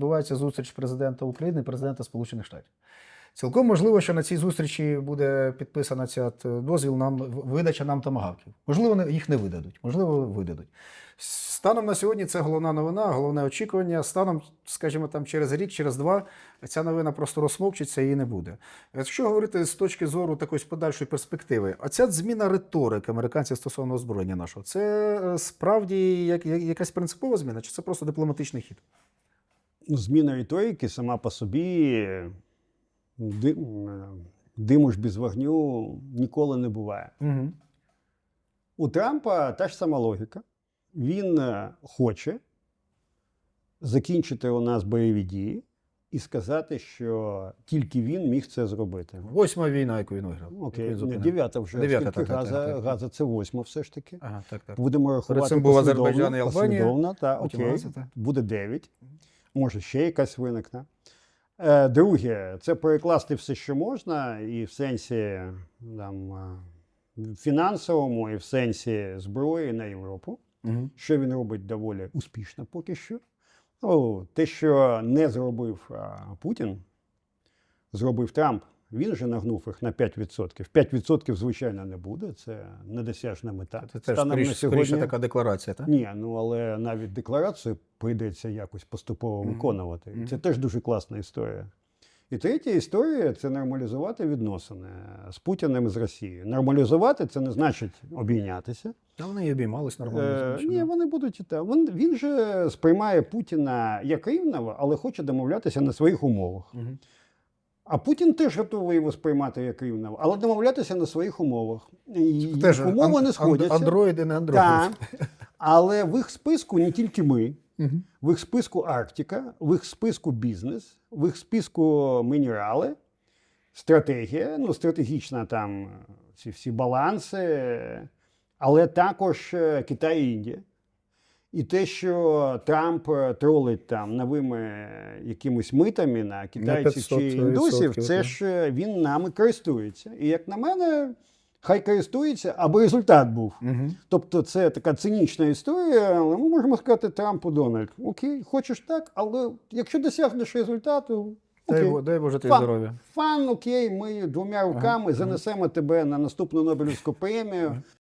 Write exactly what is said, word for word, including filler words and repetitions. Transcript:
відбувається зустріч президента України і президента Сполучених Штатів. Цілком можливо, що на цій зустрічі буде підписана ця дозвіл нам, видача нам томагавків. Можливо, їх не видадуть, можливо, видадуть. Станом на сьогодні це головна новина, головне очікування. Станом, скажімо, там через рік, через два, ця новина просто розсмовчиться і її не буде. Якщо говорити з точки зору такої подальшої перспективи, оця зміна риторики американців стосовно озброєння нашого, це справді як, якась принципова зміна, чи це просто дипломатичний хід? Зміна риторики сама по собі диму ж без вогню ніколи не буває. Угу. У Трампа та ж сама логіка. Він хоче закінчити у нас бойові дії і сказати, що тільки він міг це зробити. Восьма війна, яку він виграв. Окей, не дев'ята вже. Дев'ята, Скільки так, Газа, так, так. Газа це восьма все ж таки. Ага, так, так. Будемо рахувати Перед цим був послідовно, Азербайджан і Албанія. послідовно, та, потім окей, Газа, так. буде дев'ять. Може ще якась виникне. Е, Друге, це перекласти все, що можна, і в сенсі там, фінансовому, і в сенсі зброї на Європу. Угу. Що він робить доволі успішно поки що. Ну, те, що не зробив а, Путін, зробив Трамп, він же нагнув їх на п'ять відсотків. п'ять відсотків, звичайно, не буде, це недосяжна мета. Це теж Станом на скоріше, сьогодні... скоріше така декларація, так? Ні, ну але навіть декларацію прийдеться якось поступово Мгм. виконувати. Мгм. Це теж дуже класна історія. І третя історія – це нормалізувати відносини з Путіним і з Росією. Нормалізувати – це не значить обійнятися. Та вони і обіймались нормально. Е, звичайно. ні, вони будуть і так. Він, він же сприймає Путіна як рівного, але хоче домовлятися на своїх умовах. Мгм. А Путін теж готовий його сприймати як рівного, але домовлятися на своїх умовах. І Теж їх умови ан- не сходяться. Андроїди, не андроїди. Так. Але в їх списку не тільки ми. Мгм. В їх списку Арктика, в їх списку бізнес, в їх списку мінерали, стратегія, ну, стратегічна там ці всі баланси, але також е, Китай і Індія. І те, що Трамп е, тролить там новими якимись митами на китайців чи п'ятсот індусів, відсотків, це так. ж е, він нами користується. І як на мене, хай користується, аби результат був. Мгм. Тобто це така цинічна історія, але ми можемо сказати Трампу: Дональд, окей, хочеш так, але якщо досягнеш результату, Дай, окей. Бо- дай Боже тобі Фан. здоров'я. Фан, окей, ми двома руками занесемо тебе на наступну Нобелівську премію.